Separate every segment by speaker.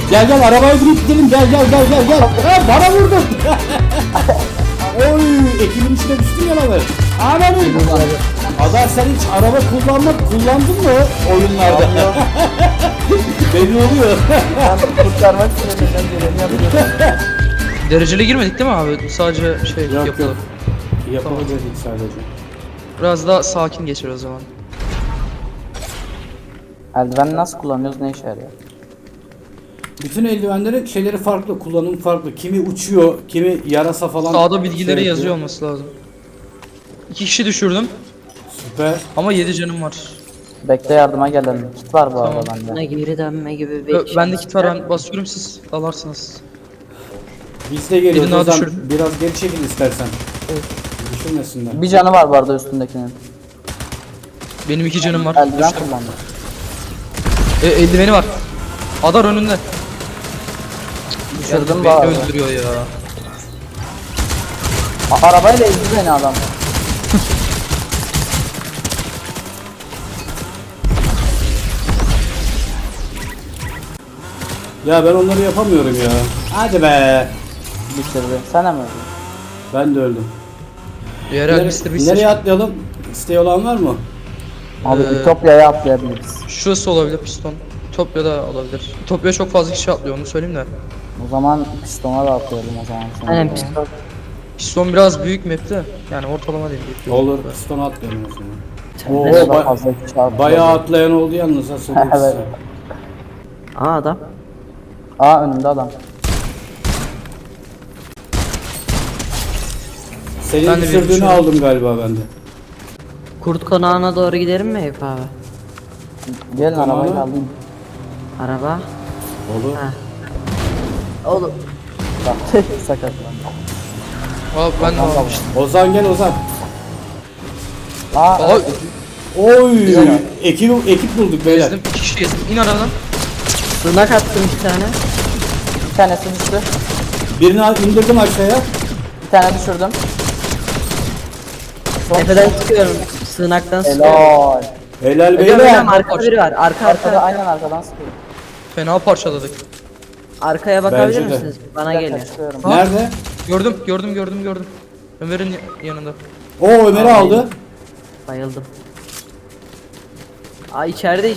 Speaker 1: Gel gel arabaya binip gidelim, gel gel gel gel gel. Ha, bana vurdun. Oy, ekibin içine düştün ya lan. Ananı. Adar sen hiç araba kullandın mı oyunlarda? Belli oluyor.
Speaker 2: Ben kurtarmak için elinden geleni yapıyorum.
Speaker 3: Dereceli girmedik değil mi abi? Sadece şey
Speaker 1: Yok
Speaker 3: yapılı.
Speaker 1: yok. Yapılı dedik sadece.
Speaker 3: Biraz daha sakin geçer o zaman.
Speaker 2: Eldiveni nasıl kullanıyoruz, ne işe yarıyor?
Speaker 1: Bütün eldivenlerin şeyleri farklı, kullanım farklı. Kimi uçuyor, kimi yarasa falan.
Speaker 3: Sağda bilgileri
Speaker 1: şey
Speaker 3: yazıyor
Speaker 1: yapıyor.
Speaker 3: olması lazım. 2 kişi düşürdüm
Speaker 1: Süper.
Speaker 3: ama 7 canım var.
Speaker 2: Bekle, yardıma gelelim. Kit var bu
Speaker 3: Tamam.
Speaker 2: arada bende.
Speaker 4: Geri dönme gibi bir şey.
Speaker 3: Bendeki taran basıyorum, siz alarsınız.
Speaker 1: Biz de geliyoruz.
Speaker 3: Birini daha
Speaker 1: O zaman
Speaker 3: düşürdüm.
Speaker 1: biraz geri çekil istersen. Düşürmesinler.
Speaker 2: Bir canı var bu arada üstündekinin.
Speaker 3: Benim 2 canım var.
Speaker 2: Eldiven
Speaker 3: Düştüm.
Speaker 2: kullandı.
Speaker 3: Eldiveni var. Adar önünde.
Speaker 2: Düşürdüm bu
Speaker 3: Beni
Speaker 2: arada.
Speaker 3: öldürüyor ya.
Speaker 2: Arabayla ezdi beni adam.
Speaker 1: Ya ben onları yapamıyorum ya. Hadi be.
Speaker 2: Bitirdi. Sen de mi öldün?
Speaker 1: Ben de öldüm.
Speaker 3: Yerel Mr. Beast.
Speaker 1: Nereye atlayalım? İsteği olan var mı?
Speaker 2: Abi Ütopya'ya atlayabiliriz.
Speaker 3: Şurası olabilir piston. Ütopya'da olabilir. Ütopya çok fazla kişi atlıyor, onu söyleyeyim de.
Speaker 2: O zaman pistona da atlayalım o zaman. Sonra.
Speaker 4: Aynen pistol.
Speaker 3: Piston biraz büyük map'te. Yani ortalama değil. Büyük
Speaker 1: Olur. Pistonu atlayalım o zaman.
Speaker 2: Ne
Speaker 1: Oo,
Speaker 2: kadar fazla kişi atlıyor.
Speaker 1: bayağı atlayan oldu yalnız ha, söyleyeyim
Speaker 2: Evet.
Speaker 1: size.
Speaker 4: Aa adam.
Speaker 2: Aa, önümde adam.
Speaker 1: Senin
Speaker 3: Ben de bir
Speaker 1: düşürdüğünü
Speaker 3: düşürdüm.
Speaker 1: aldım galiba ben de.
Speaker 4: Kurt konağına doğru gidelim mi Eyüp abi?
Speaker 2: Gelin
Speaker 1: Tamam.
Speaker 2: arabayı alayım.
Speaker 4: Araba.
Speaker 1: Olur.
Speaker 4: Ha. Oğlum.
Speaker 2: Bak sakatlandı.
Speaker 3: Abi ben de almıştım.
Speaker 1: Ozan gel Ozan.
Speaker 2: Aa,
Speaker 3: Aa,
Speaker 1: Oy! Ekip bulduk beyler.
Speaker 3: gezdim. 2 kişi gezdim. İn arabadan.
Speaker 4: Sığınak attım bir tane.
Speaker 2: bir tanesi düştü.
Speaker 1: Birini indirdim aşağıya.
Speaker 2: Bir tane düşürdüm.
Speaker 4: Tepeden çıkıyorum. Sığınaktan sıkıyorum.
Speaker 2: Helal.
Speaker 1: Helal
Speaker 4: Hocam
Speaker 1: beyler.
Speaker 4: arka biri var. Arka
Speaker 2: Arkada
Speaker 4: arka.
Speaker 2: aynen arkadan sıkıyor.
Speaker 3: Fena parçaladık.
Speaker 4: Arkaya bakabilir
Speaker 1: Bence de.
Speaker 4: misiniz? Bana
Speaker 2: Bir dakika,
Speaker 4: geliyor.
Speaker 2: çıkıyorum.
Speaker 1: Nerede?
Speaker 3: Gördüm. Ömer'in yanında.
Speaker 1: O Ömer'i aldı.
Speaker 4: Bayıldım. Aa içeride.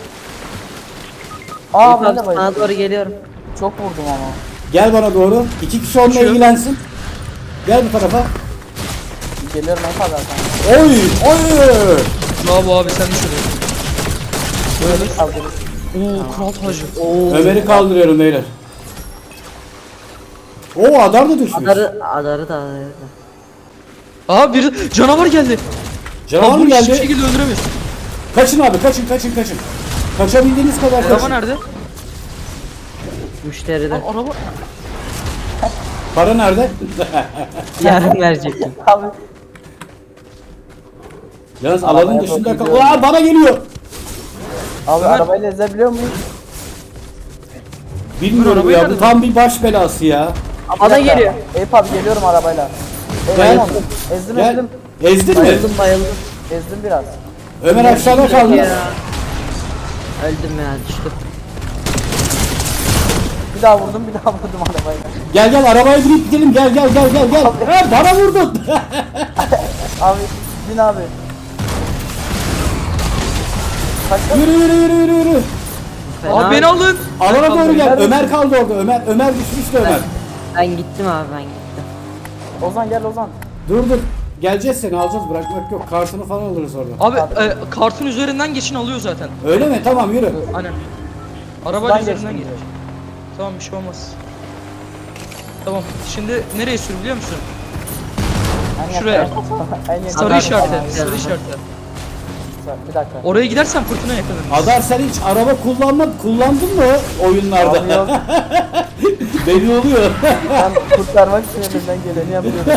Speaker 2: Aa,
Speaker 4: Eyüp
Speaker 2: ben
Speaker 4: abi
Speaker 2: de
Speaker 4: sana
Speaker 2: bayıldım.
Speaker 4: doğru geliyorum.
Speaker 2: Çok vurdum ama.
Speaker 1: Gel bana doğru. 2 kişi onunla
Speaker 3: Uçuyor.
Speaker 1: ilgilensin. Gel bu tarafa.
Speaker 2: Geliyorum en fazla zaten.
Speaker 1: Oy! Oy!
Speaker 3: Bravo abi, sen düşürdün.
Speaker 2: Böyle kaldırırız.
Speaker 3: Oo, kral tacı.
Speaker 1: Ömer'i kaldırıyorum beyler. Oo, Adar da düşmüş.
Speaker 4: Adarı da.
Speaker 3: Aa, bir canavar geldi.
Speaker 1: Canavar mı
Speaker 3: Bunu hiçbir
Speaker 1: geldi?
Speaker 3: şekilde öldüremiyorsun.
Speaker 1: Kaçın abi, kaçın. Kaçabildiğiniz kadar
Speaker 3: Araba
Speaker 1: kaçın.
Speaker 3: nerede?
Speaker 4: Müşteride.
Speaker 3: Lan araba.
Speaker 1: Para nerede?
Speaker 4: Yarın verecektim.
Speaker 2: Abi
Speaker 1: Yalnız
Speaker 2: Arabaya
Speaker 1: alanın dışında kal.
Speaker 2: bakıyorum.
Speaker 1: Aa, bana geliyor.
Speaker 2: Abi arabayla ezebiliyor muyuz?
Speaker 1: Bilmiyorum
Speaker 3: arabayı
Speaker 1: ya,
Speaker 3: nerede
Speaker 1: bu tam bir baş belası ya.
Speaker 4: Bana
Speaker 2: Bir dakika.
Speaker 4: geliyor.
Speaker 2: Eyüp abi geliyorum arabayla.
Speaker 1: Gel.
Speaker 2: Ezdim.
Speaker 1: Gel. Ezdin mi?
Speaker 4: Bayıldım.
Speaker 2: Ezdim biraz.
Speaker 1: Ömer aşağıda kaldı.
Speaker 4: Ya. Öldüm ya, düştüm.
Speaker 2: Bir daha vurdum arabayla.
Speaker 1: Gel gel arabaya binip gidelim, gel. Ha, bana vurdun.
Speaker 2: Abi bin abi. Kaç
Speaker 1: Yürü.
Speaker 4: Fena.
Speaker 3: Abi beni alın.
Speaker 1: Alana doğru gel.
Speaker 2: Ömer-
Speaker 1: Ömer kaldı orada. Ömer düşmüştü Ömer.
Speaker 4: Ben gittim abi, ben gittim.
Speaker 2: Ozan gel Ozan.
Speaker 1: Dur. Geleceğiz, seni alacağız, bırakmak yok. Kartını falan alırız orada.
Speaker 3: Abi kartın üzerinden geçin, alıyor zaten.
Speaker 1: Öyle mi? Tamam, yürü.
Speaker 3: Aynen. Arabanın
Speaker 2: Şuradan
Speaker 3: üzerinden
Speaker 2: geçtim.
Speaker 3: geç. Tamam, bir şey olmaz. Tamam, şimdi nereye sür biliyor musun?
Speaker 2: En
Speaker 3: Şuraya.
Speaker 2: yakın. En yakın.
Speaker 3: Sarı
Speaker 4: Adam-
Speaker 3: işareti,
Speaker 4: Adam-
Speaker 3: sarı işareti.
Speaker 2: Bir dakika.
Speaker 3: Oraya gidersen fırtına yakalanır.
Speaker 1: Adar, sen hiç araba kullandın mı oyunlarda?
Speaker 2: Abi yok.
Speaker 1: Belli oluyor.
Speaker 2: Ben kurtarmak için elimden geleni yapıyorum.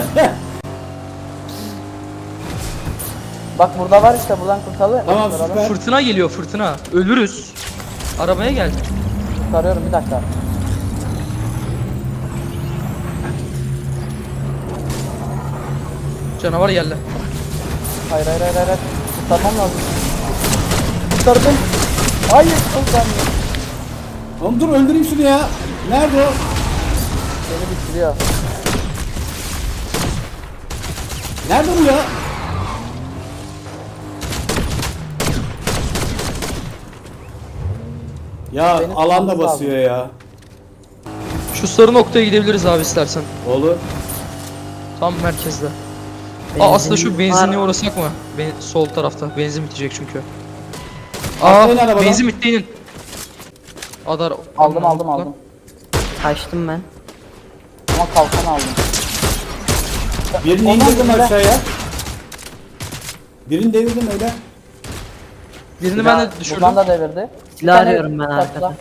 Speaker 2: Bak burada var işte, buradan kurtaralım.
Speaker 1: Tamam, süper.
Speaker 3: Fırtına geliyor, fırtına. Ölürüz. Arabaya gel.
Speaker 2: Kurtarıyorum, bir dakika.
Speaker 3: Canavar geldi.
Speaker 2: Hayır. Kurtarmam lazım. Kurtardım. Hayır, Ozan.
Speaker 1: Oğlum dur öldüreyim şunu ya. Nerede o?
Speaker 2: Beni bitiriyor.
Speaker 1: Nerede bu ya? Ya
Speaker 2: Benim
Speaker 1: alanda
Speaker 2: tutmamız
Speaker 1: basıyor ya.
Speaker 3: Şu sarı noktaya gidebiliriz abi istersen.
Speaker 1: Olur.
Speaker 3: Tam merkezde.
Speaker 4: Benzin
Speaker 3: Aslında şu
Speaker 4: var.
Speaker 3: benzinliğe uğrasak mı? Sol tarafta. Benzin bitecek çünkü.
Speaker 1: Atlayın arabadan.
Speaker 3: Benzin bitti inin. Adar.
Speaker 2: Aldım.
Speaker 4: Kaçtım ben.
Speaker 2: Ama kalkan aldım.
Speaker 1: Birini
Speaker 2: Ondan
Speaker 1: indirdim
Speaker 2: sonra-
Speaker 1: aşağıya. Birini devirdim öyle.
Speaker 3: Birini ben de düşürdüm.
Speaker 2: Buradan da devirdi.
Speaker 4: Silah
Speaker 2: Bir tane
Speaker 4: arıyorum ben
Speaker 2: takla.
Speaker 4: arkada.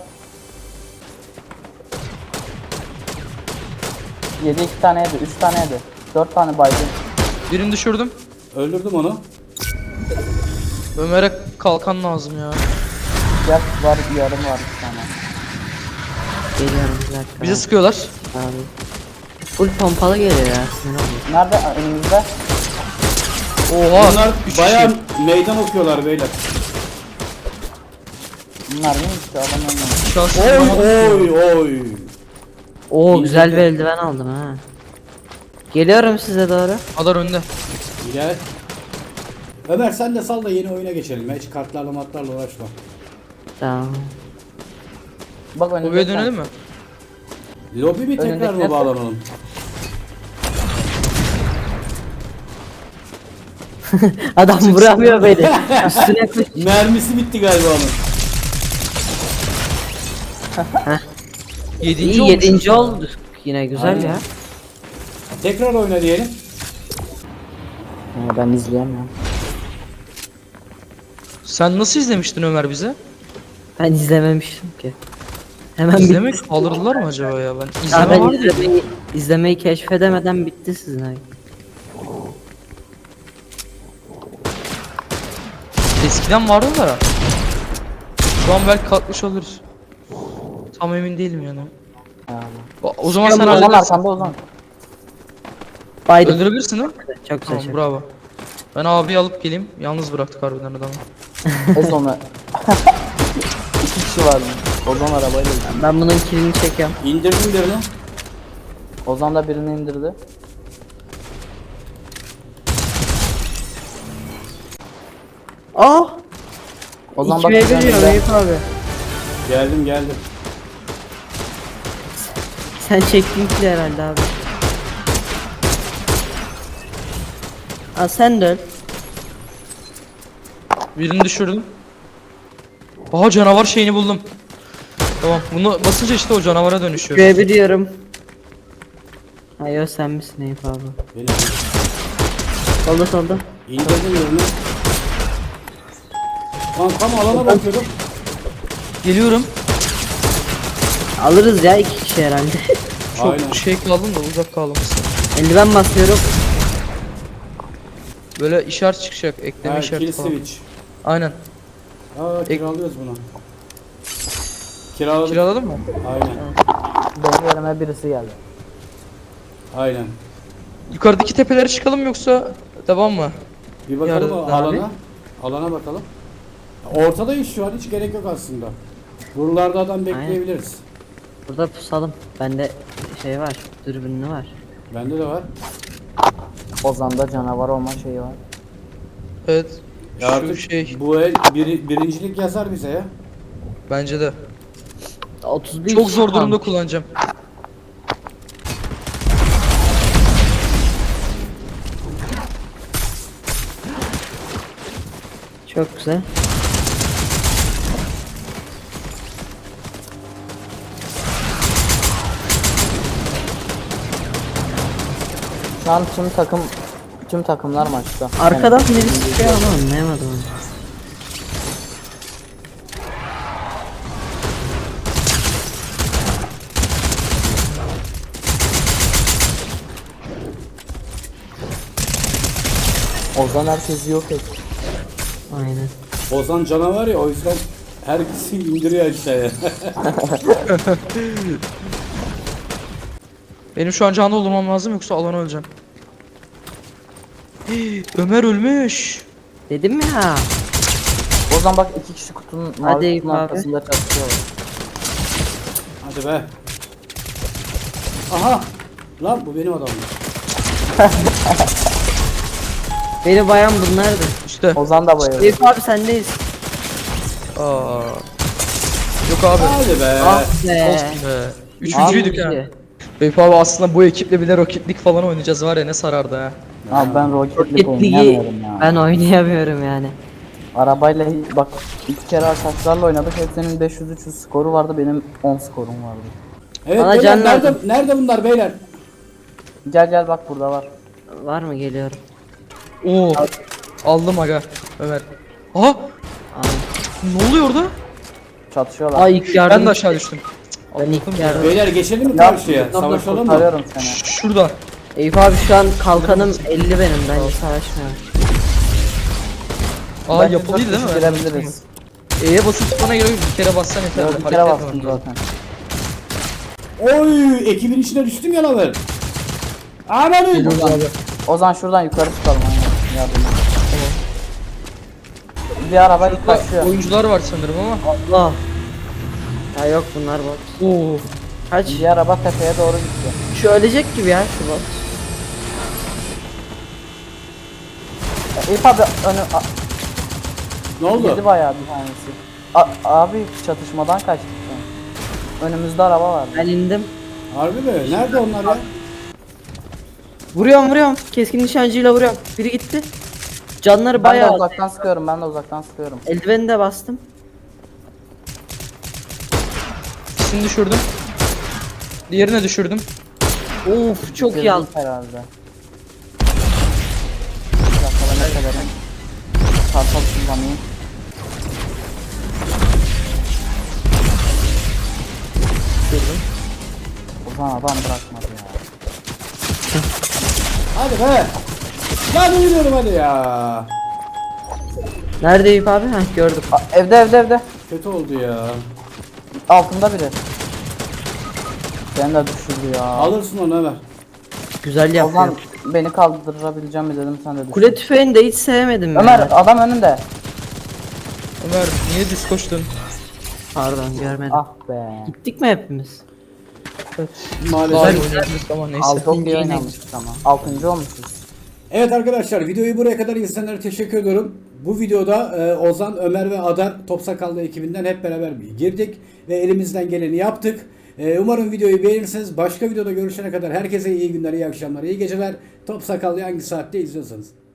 Speaker 2: Yedi 2 tane yedi, 3 tane yedi. 4 tane baygın.
Speaker 3: Birini düşürdüm.
Speaker 1: Öldürdüm onu.
Speaker 3: Ömer'e kalkan lazım ya.
Speaker 2: Gel var, yarım var 2 tane.
Speaker 4: Geliyorum bir dakika.
Speaker 3: Bize sıkıyorlar.
Speaker 4: Abi. Full pompalı geliyor ya. Sinir oluyor.
Speaker 2: Nerede? Önümüzde.
Speaker 3: Oha.
Speaker 1: Bunlar
Speaker 3: 3
Speaker 1: bayağı meydan okuyorlar beyler.
Speaker 2: Bunlar neymiş ki? Adam ölmemiş.
Speaker 3: Şahsı
Speaker 1: Oy.
Speaker 4: Oo güzel bir eldiven aldım ha. Geliyorum size doğru.
Speaker 3: Adar önde.
Speaker 1: Gel. Ömer sen de sal da yeni oyuna geçelim. Hiç kartlarla matlarla uğraşma.
Speaker 4: Tamam.
Speaker 2: Bak önümüzde.
Speaker 3: Buraya dönelim mi?
Speaker 1: Lobi bir tekrar
Speaker 2: Önündeki
Speaker 1: mı
Speaker 2: ne?
Speaker 1: bağlanalım?
Speaker 4: Adam vuramıyor beni. Üstüne koş.
Speaker 1: Mermisi bitti galiba onun.
Speaker 3: 7.
Speaker 4: İyi
Speaker 3: olmuş.
Speaker 4: 7. olduk. Yine güzel
Speaker 1: Aynen.
Speaker 4: ya.
Speaker 1: Tekrar oyna diyelim.
Speaker 2: Ben izleyemiyorum.
Speaker 3: Sen nasıl izlemiştin Ömer bize?
Speaker 4: Ben izlememiştim ki. Hemen
Speaker 3: İzlemek
Speaker 4: bitti.
Speaker 3: kaldırdılar mı acaba ya? Ben
Speaker 4: Ya
Speaker 3: izleme
Speaker 4: ben
Speaker 3: var diye.
Speaker 4: izlemeyi keşfedemeden bitti sizin ay.
Speaker 3: Eskiden vardı da. Şu an belki kalkmış oluruz. Tam emin değilim yani. O zaman sen
Speaker 2: Ozan
Speaker 3: halledersin.
Speaker 2: arkanda Ozan.
Speaker 4: Baydım.
Speaker 3: Öldürebilirsin değil mi?
Speaker 4: Çok güzel.
Speaker 3: Tamam
Speaker 4: çok.
Speaker 3: bravo. Ben abiyi alıp geleyim. Yalnız bıraktık harbiden adamı.
Speaker 2: Ozan'ı. 2 kişi vardı. Ozan arabayla gidiyor.
Speaker 4: Ben bunun kilini çekiyorum.
Speaker 1: İndirdim birini.
Speaker 2: Ozan da birini indirdi.
Speaker 4: Oh!
Speaker 2: Ozan bak.
Speaker 4: 2'ye
Speaker 2: birini
Speaker 4: geliyor
Speaker 2: indirdi.
Speaker 4: Eyüp abi.
Speaker 1: Geldim.
Speaker 4: Sen çektin kili herhalde abi. Aa sen de öl.
Speaker 3: Birini düşürdüm. Aha canavar şeyini buldum. Tamam bunu basınca işte o canavara dönüşüyor.
Speaker 4: Görebiliyorum. Hayır sen misin Eyüp abi?
Speaker 1: Benim.
Speaker 4: Solda.
Speaker 1: İndirdim birini. Lan tam alana bakıyordum.
Speaker 3: Geliyorum.
Speaker 4: Alırız ya 2 kişi herhalde.
Speaker 3: Çok
Speaker 1: Aynen.
Speaker 3: şey kaldım da uzak kalmışsın.
Speaker 4: Eldiven basıyorum.
Speaker 3: Böyle işaret çıkacak. Ekleme
Speaker 1: Ha, kill
Speaker 3: işareti falan.
Speaker 1: switch.
Speaker 3: Aynen.
Speaker 1: Aa kiralıyoruz bunu. Kiraladık.
Speaker 3: Kiraladın mı?
Speaker 1: Aynen.
Speaker 2: Benim yerime birisi geldi.
Speaker 1: Aynen.
Speaker 3: Yukarıdaki tepelere çıkalım yoksa devam mı?
Speaker 1: Bir bakalım
Speaker 3: Yarın
Speaker 1: o
Speaker 3: abi.
Speaker 1: alana. Alana bakalım. Ortadayız şu an hiç gerek yok aslında. Buralarda adam bekleyebiliriz.
Speaker 4: Burada pusalım. Bende şey var. Dürbünlü var.
Speaker 1: Bende de var.
Speaker 2: Ozan'da canavar olma şeyi var.
Speaker 3: Evet.
Speaker 1: Ya
Speaker 3: Şu
Speaker 1: artık
Speaker 3: şey
Speaker 1: bu el birincilik yazar bize ya.
Speaker 3: bence de.
Speaker 4: 31
Speaker 3: Çok
Speaker 4: kişi
Speaker 3: zor durumda
Speaker 4: kalmış.
Speaker 3: kullanacağım.
Speaker 4: Çok güzel.
Speaker 2: Şu an tüm takımlar maçta.
Speaker 4: Arkadan birisi çıkıyor ama anlayamadım onu.
Speaker 2: Ozan herkesi yok et.
Speaker 4: Aynen.
Speaker 1: Ozan canavar ya o yüzden herkesi indiriyor aşağıya.
Speaker 3: Benim şu an canlı olmam lazım yoksa alana öleceğim. Ömer ölmüş.
Speaker 4: Dedim ya.
Speaker 2: Ozan bak 2 kişi kutunun mavi
Speaker 4: Eyüp
Speaker 2: kutunun
Speaker 4: abi.
Speaker 2: arkasında çatışıyorlar.
Speaker 1: Hadi be. Aha. Lan bu benim adamım.
Speaker 4: Beni bayan bunlardı.
Speaker 3: İşte.
Speaker 2: Ozan da bayıldı.
Speaker 4: Eyüp abi sendeyiz.
Speaker 3: Aa. Yok abi.
Speaker 1: Hadi be.
Speaker 4: Ah be.
Speaker 3: Olsun be. Üçüncüydük
Speaker 4: Abi.
Speaker 3: ha. Beyf abi aslında bu ekiple bile Rocket League falan oynayacağız var ya ne sarardı ha.
Speaker 2: Abi ben Rocket
Speaker 4: Rocket
Speaker 2: League
Speaker 4: League'i
Speaker 2: oynayamıyorum ya.
Speaker 4: ben oynayamıyorum yani.
Speaker 2: Arabayla bak 2 kere arkadaşlarla oynadık. Hepsinin 500-300 skoru vardı. Benim 10 skorum vardı.
Speaker 1: Evet
Speaker 4: Bana
Speaker 1: beyler,
Speaker 4: can
Speaker 1: nerede,
Speaker 4: lazım.
Speaker 1: nerede bunlar beyler?
Speaker 2: Gel gel bak burada var.
Speaker 4: Var mı geliyorum?
Speaker 3: Oo. Aldım aga. Ömer. Aha.
Speaker 4: Aa.
Speaker 3: Ne oluyor orada?
Speaker 2: Çatışıyorlar.
Speaker 4: Ay ilk yardım.
Speaker 3: Ben de aşağı düştüm.
Speaker 4: Ben ilk yardım.
Speaker 1: Beyler geçelim mi
Speaker 2: Ya,
Speaker 1: karşıya? Savaşalım mı?
Speaker 2: Arıyorum seni.
Speaker 3: Şuradan.
Speaker 4: Eyüp abi şu an kalkanım 50 benim. Bence savaşmıyorum.
Speaker 3: Aa
Speaker 2: Bence
Speaker 3: yapılıydı değil
Speaker 2: dört
Speaker 3: mi?
Speaker 2: kişi girebiliriz.
Speaker 3: E'ye basıp tutmana gerek yok. Bir kere bassan yeter.
Speaker 2: Yok, bir
Speaker 3: Hareket
Speaker 2: kere
Speaker 3: etmem
Speaker 2: bastım
Speaker 3: lazım.
Speaker 2: zaten.
Speaker 1: Oy ekibin içine düştüm ya lan ben. Aman
Speaker 2: Ozan şuradan yukarı çıkalım. Aynen. Yardım et. Bir araba kaçıyor.
Speaker 3: Oyuncular var sanırım ama.
Speaker 4: Allah. Ya yok bunlar bot.
Speaker 3: Oo.
Speaker 4: Kaç?
Speaker 2: Bir araba tepeye doğru gitti.
Speaker 4: Şu ölecek gibi ya şu bot.
Speaker 2: Eyüp abi önü
Speaker 1: Ne oldu?
Speaker 2: yedi bayağı bir tanesi. Abi çatışmadan kaçtık şu an. Önümüzde araba vardı.
Speaker 4: Ben indim.
Speaker 1: Harbi mi? Nerede onlar ya?
Speaker 4: Vuruyorum. Keskin nişancıyla vuruyorum. Biri gitti. Canları
Speaker 2: Ben de
Speaker 4: bayağı.
Speaker 2: uzaktan sıkıyorum. Ben de uzaktan sıkıyorum.
Speaker 4: Eldiveni de bastım.
Speaker 3: Şimdi düşürdüm. Diğerine düşürdüm.
Speaker 4: Of çok iyi aldım.
Speaker 2: Herhalde. Bir dakika ben ne kadarım. Kartal kullanayım.
Speaker 3: Düşürdüm.
Speaker 2: Ozan adam bırakmadı ya.
Speaker 1: Hadi be. Lan uyuyorum hadi ya.
Speaker 4: Nerede Eyüp abi? Heh gördüm.
Speaker 2: Evde.
Speaker 1: Kötü oldu ya.
Speaker 2: Altında biri. Beni de düşürdü ya.
Speaker 1: Alırsın onu Ömer.
Speaker 4: Güzel
Speaker 2: Ozan
Speaker 4: yapıyor.
Speaker 2: beni kaldırabileceğim mi dedim sen de düşün.
Speaker 4: Kule tüfeğini de hiç sevmedim
Speaker 2: Ömer
Speaker 4: ya.
Speaker 2: adam önünde.
Speaker 3: Ömer niye düz koştun?
Speaker 4: Pardon görmedim.
Speaker 2: Ah be.
Speaker 4: Gittik mi hepimiz?
Speaker 1: Maalesef.
Speaker 3: Güzel oynadınız ama neyse.
Speaker 2: Çok iyi oynamıştık ama. 6. olmuşuz.
Speaker 1: Evet arkadaşlar videoyu buraya kadar izleyenlere teşekkür ediyorum. Bu videoda Ozan, Ömer ve Adar Top Sakallı ekibinden hep beraber bir girdik ve elimizden geleni yaptık. Umarım videoyu beğenirsiniz. Başka videoda görüşene kadar herkese iyi günler, iyi akşamlar, iyi geceler. Top Sakallı'yı hangi saatte izliyorsanız.